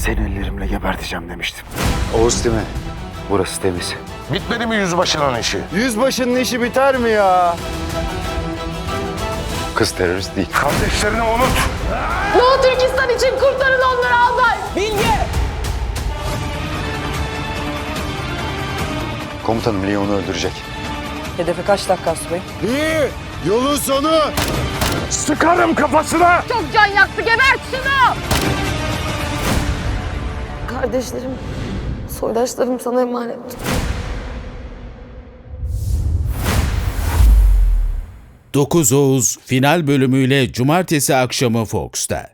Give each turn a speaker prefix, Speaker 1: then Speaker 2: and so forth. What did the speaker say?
Speaker 1: Seni ellerimle geberteceğim demiştim.
Speaker 2: Oğuz değil mi? Burası temiz.
Speaker 3: Bitmedi mi yüzbaşının işi?
Speaker 1: Yüzbaşının işi biter mi ya?
Speaker 2: Kız terörist değil.
Speaker 3: Kardeşlerini unut.
Speaker 4: Doğu Türkistan için kurtarın onları albay.
Speaker 2: Komutanım Leon'u öldürecek.
Speaker 5: Hedefe kaç dakika subay?
Speaker 1: İyi. Yolun sonu.
Speaker 3: Sıkarım kafasına.
Speaker 4: Çok can yaktı, gebert şunu.
Speaker 6: Kardeşlerim, soydaşlarım sana emanet.
Speaker 7: Dokuz Oğuz final bölümüyle cumartesi akşamı Fox'ta.